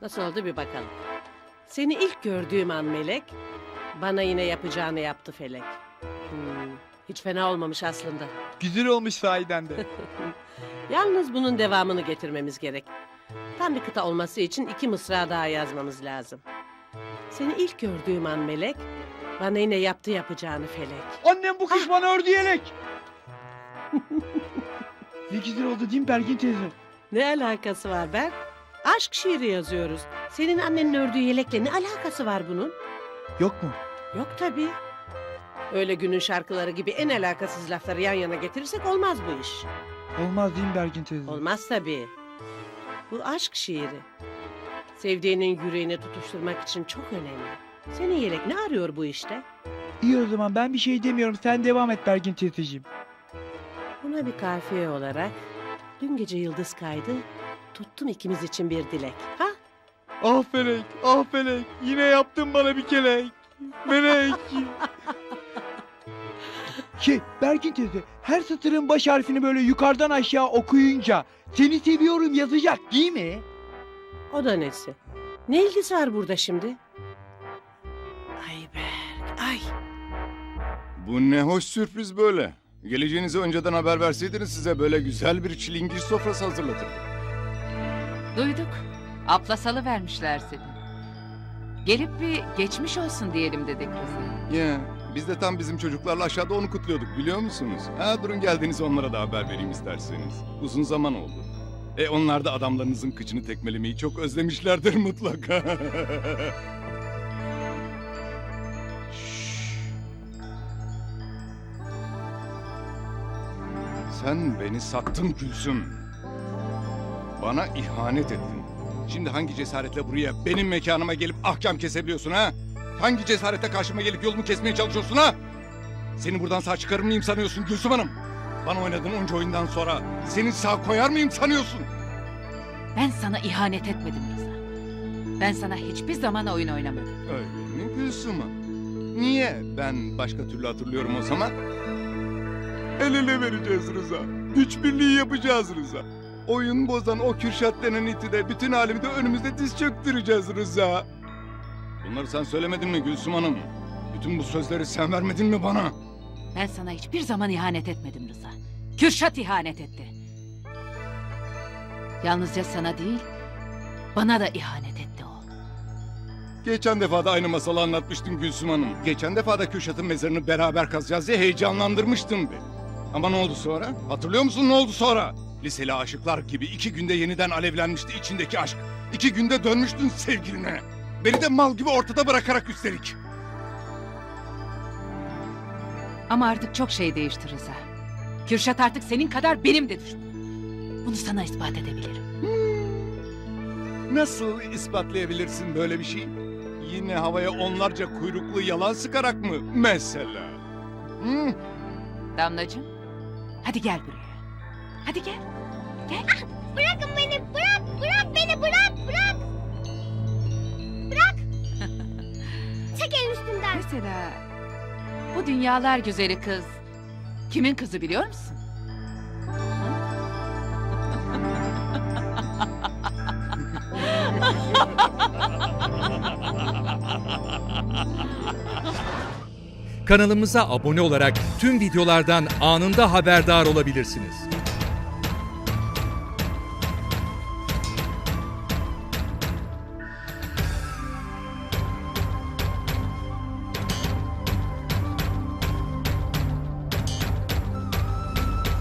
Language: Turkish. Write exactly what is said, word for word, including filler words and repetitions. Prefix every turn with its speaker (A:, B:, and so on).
A: Nasıl oldu bir bakalım. Seni ilk gördüğüm an Melek, bana yine yapacağını yaptı Felek. Hmm, hiç fena olmamış aslında.
B: Güzel olmuş sahiden de.
A: Yalnız bunun devamını getirmemiz gerek. Tam bir kıta olması için iki mısra daha yazmamız lazım. Seni ilk gördüğüm an Melek, bana yine yaptı yapacağını Felek.
B: Annem bu kış bana ördü yelek. Ne güzel oldu değil mi Bergin teyze?
A: Ne alakası var ben? Aşk şiiri yazıyoruz. Senin annenin ördüğü yelekle ne alakası var bunun?
B: Yok mu?
A: Yok tabii. Öyle günün şarkıları gibi en alakasız lafları yan yana getirirsek olmaz bu iş.
B: Olmaz değil mi Bergin teyze?
A: Olmaz tabii. Bu aşk şiiri. Sevdiğinin yüreğine tutuşturmak için çok önemli. Senin yelek ne arıyor bu işte?
B: İyi o zaman ben bir şey demiyorum. Sen devam et Bergin teyzeciğim.
A: Buna bir kafiye olarak dün gece yıldız kaydı, tuttum ikimiz için bir dilek. Ha?
B: Ah Felek, ah Felek. Yine yaptın bana bir kelek. Melek. Şey Bergin teyze, her satırın baş harfini böyle yukarıdan aşağı okuyunca seni seviyorum yazacak değil mi?
A: O da nesi? Ne ilgisi var burada şimdi? Ay Berk, ay.
C: Bu ne hoş sürpriz böyle. Geleceğinizi önceden haber verseydiniz size böyle güzel bir çilingir sofrası hazırlatırdım.
D: Duyduk. Aplasalı vermişler seni. Gelip bir geçmiş olsun diyelim dedik Rıza.
C: Ya biz de tam bizim çocuklarla aşağıda onu kutluyorduk biliyor musunuz? Ha durun geldiğinizi onlara da haber vereyim isterseniz. Uzun zaman oldu. E onlar da adamlarınızın kıçını tekmelemeyi çok özlemişlerdir mutlaka. Şşş. Sen beni sattın Gülsüm. Bana ihanet ettin. Şimdi hangi cesaretle buraya benim mekanıma gelip ahkam kesebiliyorsun ha? Hangi cesaretle karşıma gelip yolumu kesmeye çalışıyorsun ha? Seni buradan sağ çıkarır mıyım sanıyorsun Gülsüm Hanım? Bana oynadığın onca oyundan sonra seni sağ koyar mıyım sanıyorsun?
D: Ben sana ihanet etmedim Rıza. Ben sana hiçbir zaman oyun oynamadım.
C: Öyle mi Gülsüm Hanım? Niye? Ben başka türlü hatırlıyorum o zaman. El ele vereceğiz Rıza. Güç birliği yapacağız Rıza. Oyun bozan o Kürşat denen iti de bütün alemi de önümüzde diz çöktüreceğiz Rıza. Bunları sen söylemedin mi Gülsüm Hanım? Bütün bu sözleri sen vermedin mi bana?
D: Ben sana hiçbir zaman ihanet etmedim Rıza. Kürşat ihanet etti. Yalnızca sana değil, bana da ihanet etti o.
C: Geçen defa da aynı masalı anlatmıştın Gülsüm Hanım. Geçen defa da Kürşat'ın mezarını beraber kazacağız diye heyecanlandırmıştın beni. Ama ne oldu sonra? Hatırlıyor musun ne oldu sonra? Liseli aşıklar gibi iki günde yeniden alevlenmişti içindeki aşk. İki günde dönmüştün sevgiline. Beni de mal gibi ortada bırakarak üstelik.
D: Ama artık çok şey değişti Rıza. Kürşat artık senin kadar benim de düşmanım. Bunu sana ispat edebilirim.
C: Nasıl ispatlayabilirsin böyle bir şey? Yine havaya onlarca kuyruklu yalan sıkarak mı mesela? Hı?
D: Damlacığım, hadi gel buraya. Hadi gel. Gel.
E: Bırakın beni, bırak, bırak beni, bırak, bırak. Bırak. Çek elini üstümden.
D: Mesela bu dünyalar güzeli kız kimin kızı biliyor musun?
F: Kanalımıza abone olarak tüm videolardan anında haberdar olabilirsiniz.